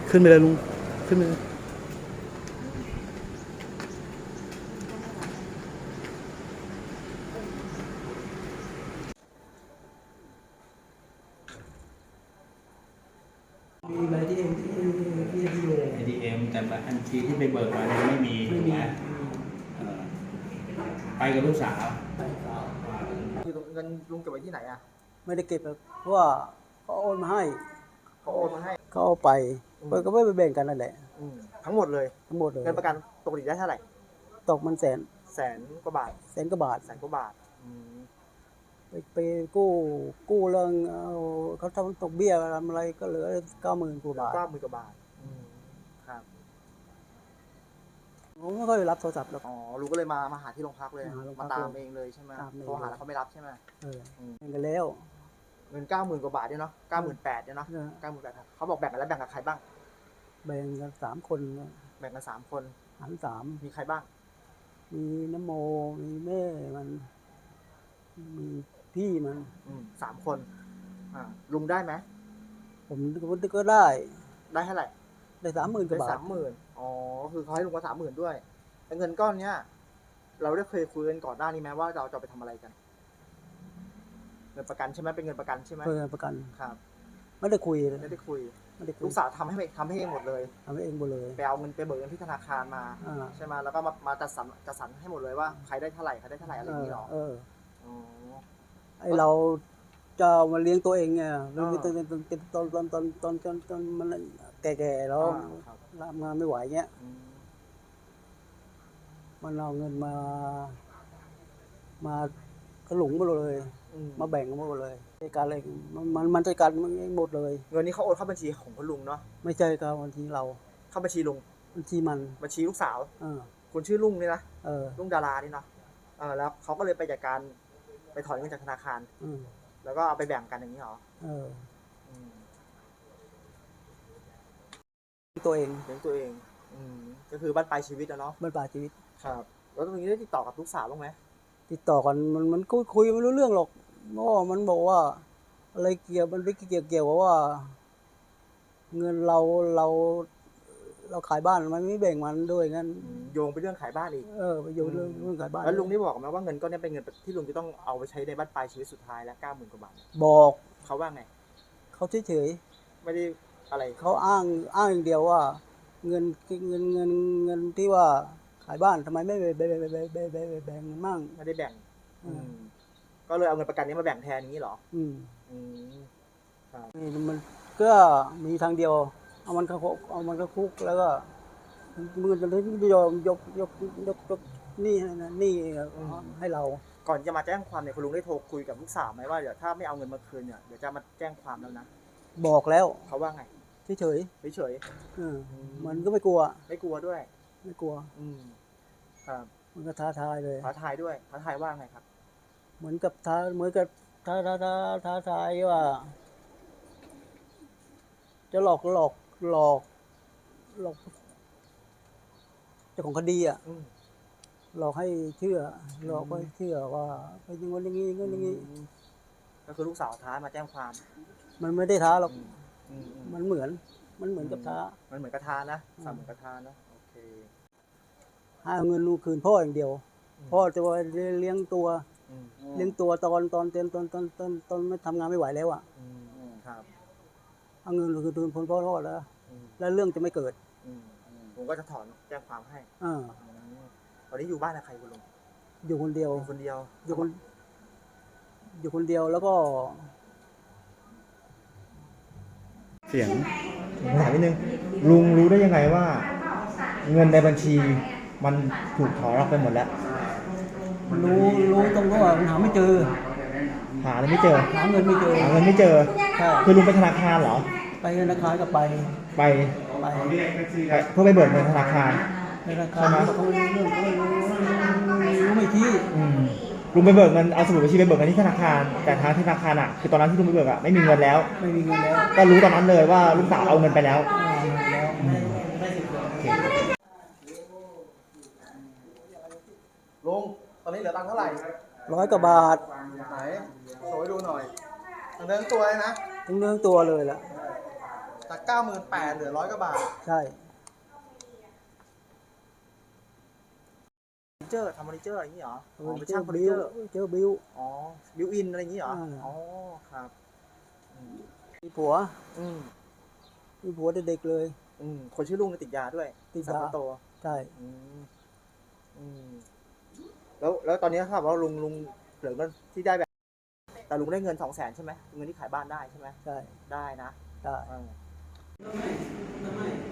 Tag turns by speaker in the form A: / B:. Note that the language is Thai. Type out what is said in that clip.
A: ขึ้นไปเลยลุงขึ้นไปเลยมีอะไรที่เอ็มที่อยู่
B: ATM แต่บัญชีที่ไปเบิกมาเนี่ยไม่มีถูกไหมไปกับลูกสาว
C: ที่เงินลุงเก็บไว้ที่ไหนอ่ะ
A: ไม่ได้เก็บเพราะว่าเขาโอนมาให้
C: เขาโอนมาให้
A: เขาเอาไปก็ไม่ไปแบ่งกันนั่นแหละ
C: ทั้งหมดเลย
A: ทั้งหมดเลย
C: เงินประกันปกติได้เท่าไหร่
A: ตกมันแสน
C: กว่าบาท
A: แสนกว่าบาทไปกู้เรื่องเขาทำตกเบี้ยอะไรก็เหลือ90,000 กว่าบาท
C: ครับ
A: ผมไม่ค่อยรับโทรศัพท์หรอก
C: ลุงก็เลยมาหาที่โรงพักเลยมาตามเองเลยใช่ไหมโทรหาแล้วเขาไม่รับใช่ไหม
A: เงินกันแล้ว
C: เงิน90,000 กว่าบาทเนี่ยเนาะ98,000เนี่ยเนาะ98,000เขาบอกแบ่งกันแล้วแบ่งกับใครบ้าง
A: แบ่งกัน3 คน
C: แบ่งกัน3 คน
A: หาร3
C: มีใครบ้าง
A: มีน้ำโมมีแม่มันมีพี่มัน
C: 3 คนลุงได้ไหม
A: ผมก็ได้
C: เท่าไหร่
A: ได้30,000 กว่าบาท
C: คือเขาให้ลุงมา30,000ด้วยแต่เงินก้อนเนี้ยเราได้เคยคุยกันก่อนหน้านี้ไหมว่าเราจะไปทำอะไรกันเงินประกันใช่ไหมเป็นเงินประกันใช่ไหม
A: เงินประกัน
C: ครับ
A: ไม่ได้คุย
C: ลูกสาวทำให้เองหมดเลยไปเอาเงินไปเบิกเงินที่ธนาคารมาใช่ไหมแล้วก็มาจัดสรรให้หมดเลยว่าใครได้เท่าไหร่อะไรอย่างนี้หรอ
A: ไอเราจะมาเลี้ยงตัวเองไงตอนมันแก่ๆแล้วทำงานไม่ไหวเงี้ยมันเอาเงินมากระหลุงหมดเลยมาแบ่งกันหมดเลยจัดการอะไรมันจัดการหมดเลย
C: เงินนี้เขาโอนเข้าบัญชีของคุณลุงเนาะ
A: ไม่ใช่ครับบัญชีเรา
C: เข้าบัญชีลุง
A: บัญชีมัน
C: บัญชีลูกสาวคุณชื่อลุงนี่นะลุงดารานี่เนาะแล้วเขาก็เลยไปจัดการไปถอนเงินจากธนาคารแล้วก็เอาไปแบ่งกันอย่างนี้หรอ
A: ตัวเอง
C: ก็คือบ้านปลายชีวิตนะเนาะ
A: บ้านปลายชีวิต
C: ครับแล้วตรงนี้ได้ติดต่อกับลูกสาวบ้างไหม
A: ติดต่อกันมันคุยไม่รู้เรื่องหรอกเพราะมันบอกว่าอะไรมันไม่เกี่ยวกับว่าเงินเราขายบ้านมันไม่แบ่งมันด้วยงั้น
C: โยงไปเรื่องขายบ้านอีก
A: ไปโยงเรื่องขายบ้าน
C: แล้วลุงได้บอกไหมว่าเงินก้อนนี้เป็นเงินที่ลุงจะต้องเอาไปใช้ในบ้านปลายชีวิตสุดท้ายแล้ว90,000 กว่าบาท
A: บอก
C: เขาว่าไง
A: เขาเฉย
C: ไม่ได้อะไร
A: เขาอ้างอย่างเดียวว่าเงินที่ว่าขายบ้านทำไมไม่แบ่งมั่ง
C: ไม่ได้แบ่งก็เลยเอาเงินประกันนี้มาแบ่งแทนนี้หรอ
A: มันก็มีทางเดียวเอามันเข้าคุกแล้วก็มือจะยอมยกนี่ให้เรา
C: ก่อนจะมาแจ้งความเนี่ยคุณลุงได้โทรคุยกับลูกสาวไหมว่าเดี๋ยวถ้าไม่เอาเงินมาคืนเนี่ยเดี๋ยวจะมาแจ้งความแล้วนะ
A: บอกแล้ว
C: เขาว่าไง
A: เฉยมันก็ไม่กลัว
C: ด้วย
A: ไม่กลัว
C: ครับ
A: มันก็ท้าทายเลย
C: ท้าทายว่าไงครับ
A: เหมือนกับท้าทายว่าจะหลอกเจ้าของคดีหลอกให้เชื่อว่าไปอย่างนั้นอย่างนี้
C: ก็คือลูกสาวท้ามาแจ้งความ
A: มันไม่ได้ท้าหรอกมันเหมือนกับท้า
C: มันเหมือนกระทานะเหมือนกระทานะโอเค
A: ให้เอาเงินลูกคืนพ่ออย่างเดียวพ่อจะว่าเลี้ยงตัวตอนไม่ทำงานไม่ไหวแล้ว
C: ครับ
A: เอาเงินลูกคืนพ่อแล้วเรื่องจะไม่เกิด
C: ผมก็จะถอนแจ้งความให้ตอนนี้อยู่บ้านกับใครคุณลุง
A: อยู่คนเดียวอยู่คนเดียวแล้วก็
C: เสียงถามนิดนึงลุงรู้ได้ยังไงว่าเงินในบัญชีมันถูกถอนออกไปหมดแล้ว
A: รู้ตรงที่ว่าหาไม่เจอ
C: หาไม่เจอ
A: หาเงินไม่เจอ
C: คือลุงไปธนาคารเหรอ
A: ไปธนาคารก็ไป
C: เพื่อไปเบิกเงินธนาคาร
A: เขารู้ไม่ชี้
C: ลุงไปเบิกเงินเอาสมุดบัญชีไปเบิกเงินที่ธนาคารแต่ทางธนาคารคือตอนนั้นที่ลุงไปเบิกไม่มีเงินแล้วก็รู้ตอนนั้นเลยว่าลูกสาวเอาเงินไปแล้วลุงตอนนี้เหลือตังค์เท่าไหร่
A: 100 กว่าบาท
C: ไหนโชว์ให้ดูหน่อยทั้งเนื้อตัวเลยนะ
A: ทั้งเนื้อตัวเลยล่ะ
C: จาก98,000เหลือ100 กว่าบาท
A: ใช่
C: เฟอร์นิเจอร์ทำเฟอร์นิเจอร์อะไรอย่างนี้เหรออ๋อเป็น
A: เจ
C: ช่า
A: อง
C: เฟอร์นิ
A: บิ
C: เจ
A: ว
C: อร์
A: เจอบิว
C: อ๋อบิวอินอะไรอย่างนี้เหรอ
A: อ่า
C: อ๋อครับอืม
A: มีผัว
C: อืม
A: มีผัวเด็กๆเลย
C: คนชื่อลุงเนี่ยติดยาด้วย
A: ติดยา
C: สาวคนโต
A: ใช่
C: อืมอืมแล้วตอนนี้ครับว่าลุงเหลือเงินที่ได้แบบแต่ลุงได้เงิน200,000ใช่ไหมเงินที่ขายบ้านได้ใช่ไหม
A: ใช่
C: ได้นะ
A: ใช่
C: เออ